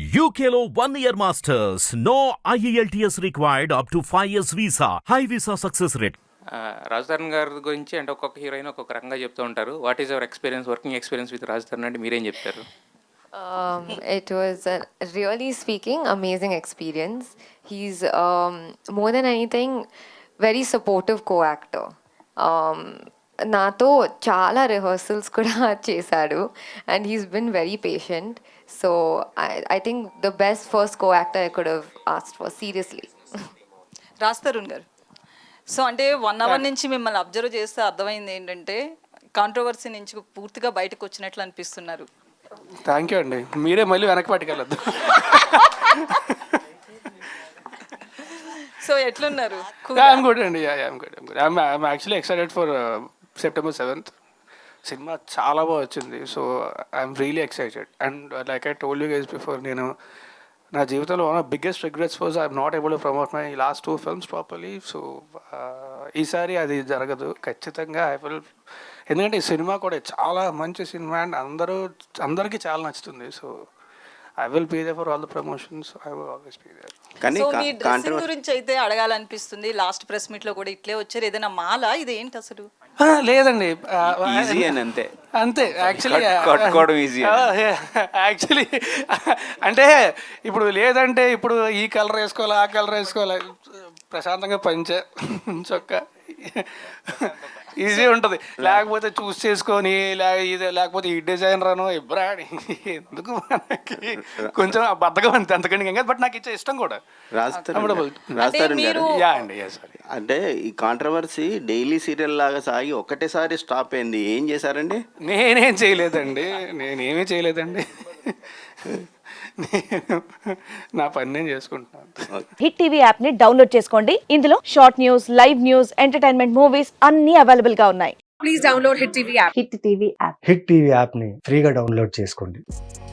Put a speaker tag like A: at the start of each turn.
A: UKLO 1 year masters. No IELTS required up to 5 years visa. High visa success rate.
B: రాజధాని గారి గురించి అంటే ఒక్కొక్క హీరోయిన్ ఒక్కొక్క రకంగా చెప్తూ ఉంటారు. What is your experience, working experience with Rajadhani అంటే మీరేం చెప్తారు?
C: It was a really speaking amazing experience. He's more than anything very supportive co-actor. నాతో చాలా రిహర్సల్స్ కూడా చేశాడు and he's been very patient. So I think the best first co-actor I could have asked for seriously.
D: Raj Tarun garu, so అంటే 1 hour నుంచి మిమ్మల్ని observe చేస్తే అర్థమైంది ఏంటంటే కాంట్రవర్సీ నుంచి పూర్తిగా బయటకు వచ్చినట్లు అనిపిస్తున్నారు.
E: థ్యాంక్ యూ అండి, మీరే మళ్ళీ వెనక్కి పట్టుకెళ్ళద్దు.
D: సో ఎట్లున్నారు?
E: ఐఎమ్ గుడ్ అండి, I'm actually excited for September 7th. సినిమా చాలా బాగా వచ్చింది. So I'm really excited and like I told you guys before, నేను నా జీవితంలో one of biggest regrets was I'm not able to promote my last 2 films properly. So ఈసారి అది జరగదు ఖచ్చితంగా. ఐ విల్, ఎందుకంటే ఈ సినిమా కూడా చాలా మంచి సినిమా అండ్ అందరికీ చాలా నచ్చుతుంది. So I will be there for all the promotions. I will always be there.
D: So మీ డ్రెస్సింగ్ గురించి అయితే అడగాలనిపిస్తుంది. లాస్ట్ ప్రెస్ మీట్ లో కూడా ఇట్లే వచ్చారు. ఏదైనా మాల ఇది ఏంటి అసలు?
E: లేదండి,
F: ఈజీ అని
E: అంతే యాక్చువల్లీ
F: కట్టుకోవడం ఈజీ.
E: యాక్చువల్లీ అంటే ఇప్పుడు లేదంటే ఇప్పుడు ఈ కలర్ వేసుకోవాలి, ఆ కలర్ వేసుకోవాలి, ప్రశాంతంగా పంచే చొక్కా ఈజీ ఉంటుంది. లేకపోతే చూస్ చేసుకొని లేకపోతే ఈ డిజైన్ రాను ఇబ్రాడి ఎందుకు మనకి కొంచెం బద్దగా అంతే, అంతకంటే ఇంకా. బట్ నాకు ఇచ్చే ఇష్టం కూడా.
F: అంటే ఈ కాంట్రవర్సీ డైలీ సీరియల్ లాగా సాగి ఒక్కటేసారి స్టాప్ అయింది. ఏం చేశారండి?
E: నేనేమీ చేయలేదండి. నా పని నేను చేసుకుంటున్నాను.
G: హిట్ టీవీ యాప్ ని డౌన్లోడ్ చేసుకోండి. ఇందులో short news, live news, entertainment movies అన్ని అవైలబుల్ గా ఉన్నాయి.
H: Please download hit TV app.
G: Hit TV app
I: hit TV app ని ఫ్రీగా డౌన్లోడ్ చేసుకోండి.